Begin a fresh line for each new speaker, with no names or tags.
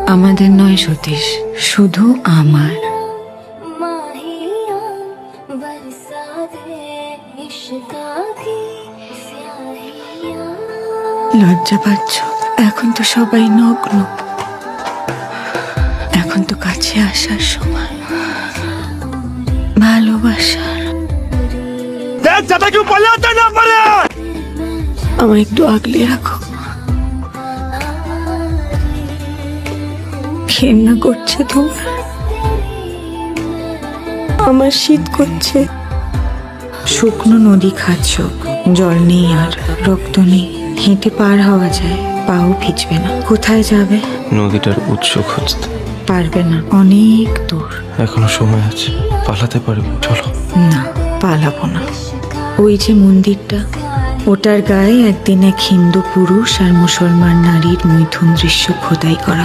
আমাদের নয় সতীশ, শুধু আমার। লজ্জা পাচ্ছ? এখন তো সবাই নগ্ন, এখন তো কাছে আসার সময়। ভালোবাসার আমায় একটু আগলে রাখো। ঘেন্না করছে তোমার, আমার শীত করছে। শুকনো নদী খাচ্ছ, জল নেই আর রক্ত নেই, হেঁটে পার হওয়া যায়, পাও ভিজবে না। কোথায় যাবে?
নদীটার উৎস খুঁজতে।
পারবে না, অনেক দূর।
এখনো সময় আছে, পালাতে পারবে, চলো।
না, পালাবো না। ওই যে মন্দিরটা, ওটার গায়ে একদিন এক হিন্দু পুরুষ আর মুসলমান নারীর মৈথুন দৃশ্য খোদাই করা।